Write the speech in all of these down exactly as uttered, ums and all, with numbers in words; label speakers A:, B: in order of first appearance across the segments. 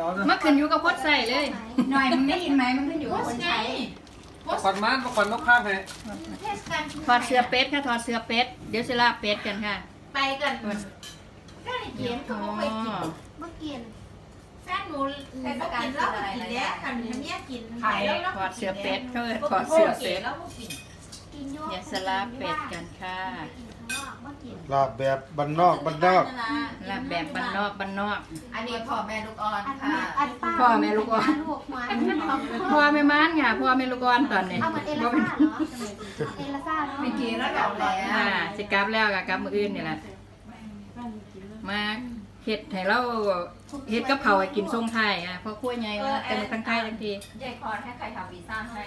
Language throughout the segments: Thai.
A: เอาเนอะ
B: มันขึ้นอยู่กับคนใส่เลย
C: หน่อยมึงได้ยินไหมมันขึ้นอยู่กับคนใช้
A: ขวัญมันขวัญนกข้างให้
D: เทศกาล
B: ถอดเสื้อเป็ดค่ะถอดเสื้อเป็ดเดี๋ยวสิลาเป็ดกันค่ะ
D: ไปกันก็ได้เขียนก็
B: อ๋อ
D: ไม่ไปกินเมื่อกินแฟนหนูเทศกาลแล้วก็กินแล้วค่ะหนูเมียกิน
B: ถอดเสื้อเป็ดเขาเอิ้นถอดเสื้อเป็ด
D: แล้วก็กินกินเยอะ
B: เดี๋ยวสิลาเป็ดกันค่ะ
A: ลาบแบบบ้านนอกบ้านนอก
B: ลาแบบบ้านนอกบ้านนอก
C: อันนี้พ่อแม่ลูกอ่อนค่ะ
B: พ่อแม่ลูกอ่อน
D: ลูกมา
B: พ่อแม่ม้านค่ะพ่อแม่ลูกอ่อนตอนนี้
D: เอาเหมือนเอลซ่าเหรอเอลซ่าเนาะ
C: มีกี่ระดับแล้ว
B: อ่าสิกลับแล้วกับกลับมื้ออื่นนี่แหละมาเฮ็ดให้เราเฮ็ดกับเผาวให้กินทรงไทยอ่ะเพราะครัวใหญ่ว่าเป็นทั้งไทยทั้งที
C: ยายคอนให้ใครทำวีซ่าให้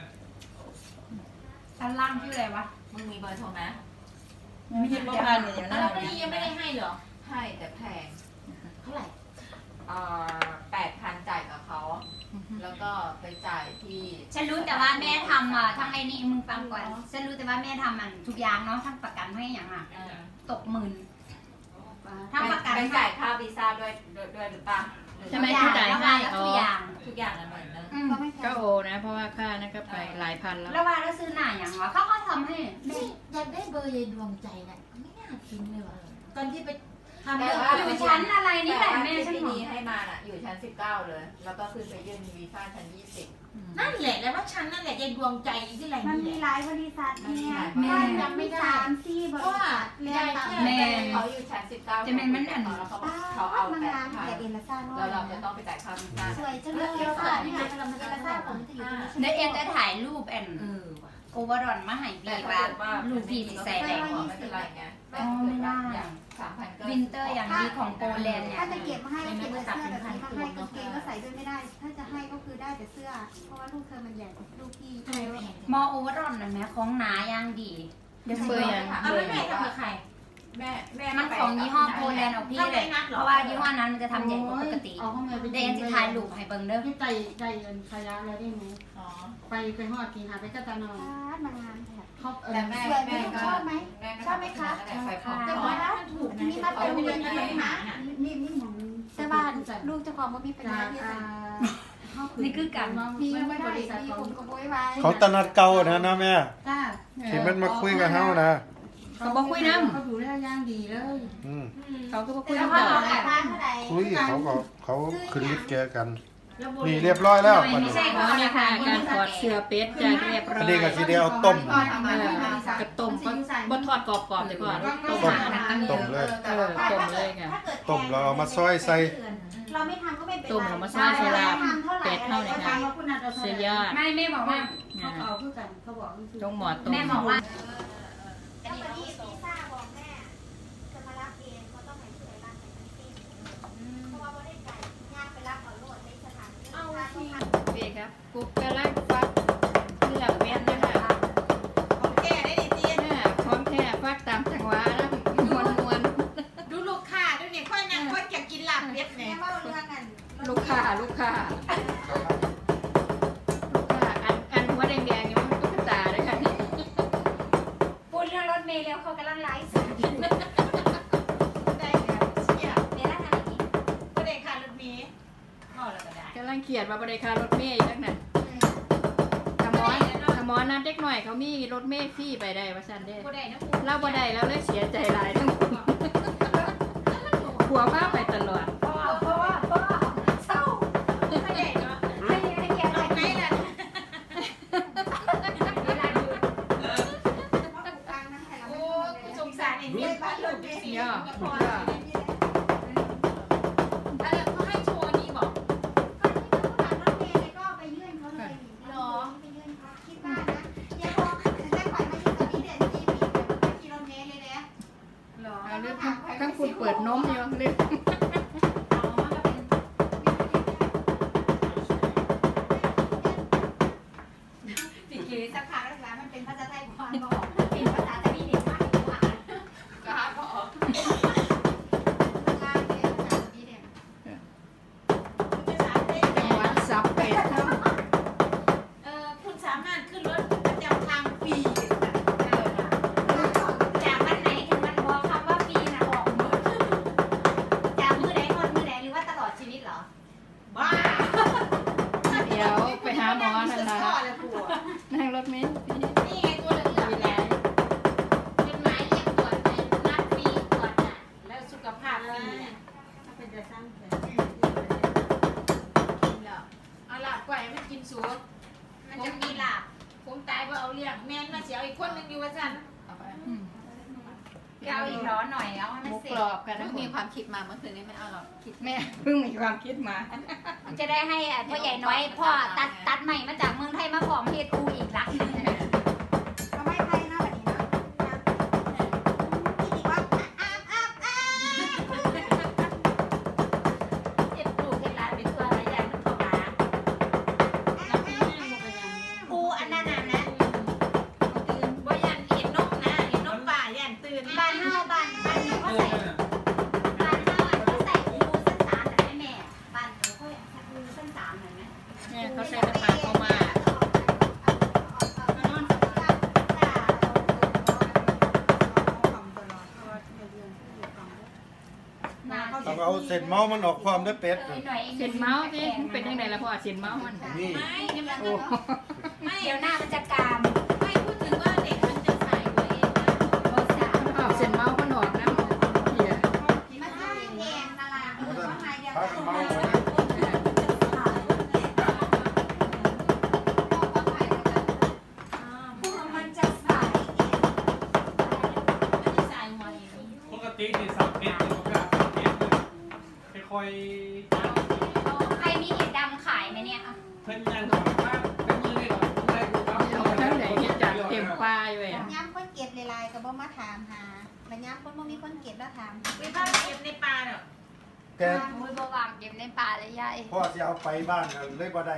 D: ชั้นล่างชื่ออะไรวะ
C: มึงมีเบอร์โทรไหม
B: ไม่ใช่บ่พันอยู่นั่น
D: แล้วนี่ยังไม่ได้ให้เหรอ
C: ให้แต่แพง
D: เท่าไหร่
C: เอ่อแปดพันจ่ายกับเขา แล้วก็ไปจ่ายที่
E: ฉันรู้แต่ว่าแม่ทำอ่ะทั้งไอ้นี่มึงฟังก่อนฉันรู้แต่ว่าแม่ทำมันทุกอย่างเนาะทั้งประกันให้อย่างอ่ะ
C: เออ
E: ตกหมื่นทั้งประกัน
C: ไปจ่ายค่าวีซ่าด้วยด้วยด้วยหรือเปล่า
B: ใช่ไหมที่จ่ายให้
E: แล้ว
B: อ๋
E: ทุ
B: อก
E: อย่าง
C: ทุกอย่างละหมื่นนึง
E: อืม
D: ก็ไม่แพ
B: ก็
D: ง
B: โอนะ เพราะว่าค่านั่นก็ไปหลายพันแล้ว
E: แล้วว่าแล้วซื้อหน้าอย่างวะเขาก็ทำให้
D: นี่อยากได้เบอร์ยายดวงใจน่ะไม่น่าทิ้งเลยว่ะตอนที่ไปทำ
C: แต่
D: เรื่อง
C: ว่า
E: อยู่ชั้นอะไรนี่แหละ
C: ต่ว่า
E: แม่ฉัน
C: ที่
E: บอ
C: นี้
E: ก
C: ให้มาน่ะอยู่ชั้นสิบเก้าเลย แล้วก็ขึ้นไปยื่นวีซ่าชั้นยี่สิบ
D: นั่นแหละแล้วว่าฉันนั่นแหละยายดวงใจที่ไหน
F: มัน
D: นี่
F: มี
D: แหละ
F: หลายบริษัทเนี่ย
E: แม่
F: บ้านยังไม่สามสี่บริษัทเรียนตาม
E: แม่
C: เขาอยู่ชั้นสิบเก้า
E: จะเป็นมันอัน
C: แล้วเขา
F: ป้า
C: เขาเอา
F: มัน
C: แต่
F: งาน
C: ค่า
F: แต่เอลซ่าน้อ
C: แล้ว
F: ย
C: เราจะต้องไปจ่ายค่าวีซ่า
F: สวยจังเลยเอลซ่านี่ไงกำลังเอลซ่าผมจะอยู่ตรงนี้
E: เดี๋ยวเอ็มจะถ่ายรูปแอน
C: เออว่ะ
E: โอเวอร์ดอนมาให้
C: แต่
E: พี่
C: ถ้า
E: ว่า
C: เกิดว่า
E: ลูกพี่สิใส่
C: แร
E: ได้
C: งกว่าไม่เป็นไรไงแต่
E: อ๋อไม่ได้
C: อย่างสามพันก็
E: วินเตอร์อย่างดีของโปแลนด์เนี่ย
F: ถ้าจะเก็บมาให้ก็เก็บแต่เสื้อแบบนี้ถ้าให้กางเกงก็ใส่ด้วยไม่ได้ ถ้าจะให้ก็คือได้แต่เสื้อ เพราะว่าลูกเธอมันใหญ่กว่าลูกพี่
E: มอโอเวอร์ดอนน่ะแม่ของหนาอย่างดี
B: เดี๋ยวเบอร์ยัง
D: เอา
B: เบอ
D: ไม่
B: ร์
D: แม่
B: ยัง
D: ทำกับใคร
C: แม่แม่
E: มันของยี่ห้อโปแลนด์เอาพี่เลยเพราะว่ายี่ห้อนั้นมันจะทำใหญ่กว่าปกติ
F: เอาเข้ามาไป
E: เดนจะถ่ายรูปให้เบิ่งเด้อ
F: ที่ใจใจเงินขยะแล้วได้ไหม
C: อ๋อ
F: ไปไปหอดกินหาไปกระตานอนมางานแถบเขาเอ
C: แต่
F: อ
C: แม่
F: สวยไหม
C: แม่ก็
F: ชอบไหม
C: แม่ก็
F: ชอบไหมคะ
C: แต่ไฟของ
D: แต่ว่ามันถูก
F: อันนี้มาเป็นเรียนกันหานี่นี่หมอง
D: แต่บ้านลูกเจ้าของว่ามีปัญ
F: จา
D: หาก ที่
F: อ่า
E: นี่คือกัน
F: มีไม่ได้มีคนก็โวยไว้
A: เขาตนัดเก่านะนะแม่
F: จ้า
A: ที่มันมาคุยกับเฮานะ
B: เขาบอกคุยน้
F: เขาดูแลย่างดีเลย
A: อืม
B: ำเขาก็บอกคุย
F: แล้ว
B: น้ำ
F: ก็
B: ต่อ
F: เอาแบบนั้นเท่าไหร่
A: คุยเขาก็เขาขึ้นลิฟต์แกกัน นี่เรียบร้อยแล้วบัด
E: ไม่
A: นี้
E: ใช่
B: อ๋อนี่ค่ะการถอดเสื้อเป็ดจะเรียบร้อย
A: อันนี้ก็สิได้เอาต้ม
B: เออกระต้มก็บ่ทอดกรอบๆเดี๋ยวก่อนต้ม
A: ต้ม
B: หาตั้ง
A: ต้มเลย
B: เออต้มเลยค่ะ
A: ต้มแล้วเอามาซอยใส่
F: เราไม่ทำก็ไม่เป็นไร
B: ต้มแล้วมาซอยใส่ลาบเป็ดเท่าไหร่คะ เสียยอด
E: ไม่แม่บอกว่า
F: เขาเอาคือกันเขาบอก
B: ต้องหมอต้ม
E: แม่บอกว่า
F: แล้ววันนี้พิซซ่าบอกแม่จะมารับเองเขาต้องให้ผู้ใหญ่บ้านไปทั้งสิ้นเพราะว่าไม่ได้ไก่ย่างไปรับเอาโลดในสถานที่เอาที่
B: เปียครับกุ๊กกะลักฟักเลือกเม็ดนะคะ
D: ของแกได้ดิเตี้ย
B: เนี่ยพร้อมแท้ฟักตามจังหวะนะมวนมวน
D: ดูลูกค้าดูเนี่ยค่อยนั่งค่อยอยากกินลาบเป็ด
F: แม่
D: เนี่ย
F: ว่าเรื่องกัน
B: ลูกค้าลูกค้าลูกค้าอันอันหัวแดงๆนี่มันตุ๊กตาเลยค่ะนี่
E: พูดเรื่องรถเมล์แล้วเขากำลังไลฟ์สด
D: ได้แล้วเชี่ย
E: เดี๋ยวนะทางนี้
D: ก็ได้ค่ารถเมล์พอแล้วก็ได้
B: กำลังเขียนว่าบริการรถเมย์อีกแล้วน่ะขมอนขมอนนัดเด็กหน่อยเขามีรถเมย์ฟรีไปได้ว่าซั่นเด้
D: ก็ได้นะ
B: เราบ่ได้แล้วเลยเสียใจหลายทั้งหัวพาไปตลอด
D: พ่อพ่อพ่อเศร้าไม่ได้เนาะ
E: ให้ให้เกียรติหน่อย
D: ไหนล่ะ
E: เวลาดู
D: โอ้สงสารไอ้เนี่ยบ้านลูกเนี่ย
B: ย่อ
D: พอแล้วอะไรเขาให้โชว์นี่บอก
F: หรอไปยื่นเขาคิดว่านะยังพอได้ปล่อยมาอยู่ตอนนี้เดือนสี่ปีแบบกิโลเมตรเลยนะ
D: หรอ
B: เอาเรื่องทั้งคุณเปิดนมอยู่เรื่อง
D: บ้า
B: เดี๋ยวไปหาหมอนั่น
D: ข้อ
B: ล่ะ
D: เลยปู่
B: นั่งรถเมล์
E: นี่ไงตัวเหลืองๆเนี่ยเป็นไม้เรียกตรวจเป็นนัดฟรีตรวจน่ะ
D: แล้วสุขภาพดีเนี่ยเป็นจะสร้างแผลเอาล่ะปล่อยมันกินสูตร
E: มันจะมีหลาบ
D: ผมตายว่าเอาเลี้ยงแม่นมาเสียอีกคนนึงอยู่ว่าซั่น
B: อืม
E: เอาอีกร้อนหน่อยเอาให้มัน
B: หมู
E: เสร็
B: ก
E: จ
B: รอบกัน
C: เพิ่
B: นะ
C: งมีความคิดมาเมื่อคืนนี้ไม่เอาหรอกคิด
B: แม่เพิ่งมีความคิดมา
E: จะได้ให้พ่อใหญ่น้อยพ่อตัดตัดใหม่มาจากเมืองไทยมาของเฮดอูอีกหลักหนึง
F: เอาไม้ไผ่เนาะแบบนี้เนาะพี่ดีว่าอ้ามอ้ามอ้าม
E: เจ็บปลูกเห็ดร้านเป็นตัวอะไรใหญ่มันเข้ามาอูอันนั้นน่ะนะ
D: ตื่นบ่ยันเห็นนกนะเห็นนกป่ายันตื่น
E: บ้านเฮาบ้านบ้านนี้เขาใส่บ้านเฮาเขาใส่อูเส้นสามแต่ไม่แม่บ้านเขาเขาอูเส้นสามหน่อยไหม
B: เนี่ยเขาใส่กระถางเข้ามา
A: ต้องเอาเศษเมาส์มันออกความด้วยเป็ด
E: เออหน่อยอง
B: เส้นเมาส์สิมันเป็นยังไงล่ะพ่อเส้นเมาส์มัน
A: นี่
D: ไม่เนี่ยมัน
B: โอ้
D: ไม่
E: เดี๋ยวหน้ามันจะกาม
D: ไม่พูดถึงว่าเด็กมันจะใส่ไว้เองนะ
E: โอ้สาม
B: อ้าวเส้นเมาส์มันออกนะเฮีย
F: มาทำเองตลาด
A: เพราะฉะนั้น
F: มาหาเดียว
A: พากันเมาส์ไว้
F: พวกมันจะใส่เอง
D: ไม่ได้ใส่หัวเอง
G: ปกตินี่สับเผ็ดนี่ก็แบบสับเผ็ดเลยค่อย
E: ใครมีเห็ดดำขายไหมเนี่ย
G: ๆเพิ่นยังของบ้านเป็นมือนี่ก่อนได้ดูครับ
B: เอาทั้งไหนที่จัดเต็มป้ายไว้อะ
F: ย้ำคนเก็บลายๆก็บ่มาถามหาแล้วย้ำคนบ่มีคนเก็บแล้วถาม
D: ไปบ้านเก็บในป่าเนาะ
A: แต่
E: โอ้ยบวางเก็บในป่าเลยยาย
A: พ่อจะเอาไปบ้านน่ะเลยบ่ได้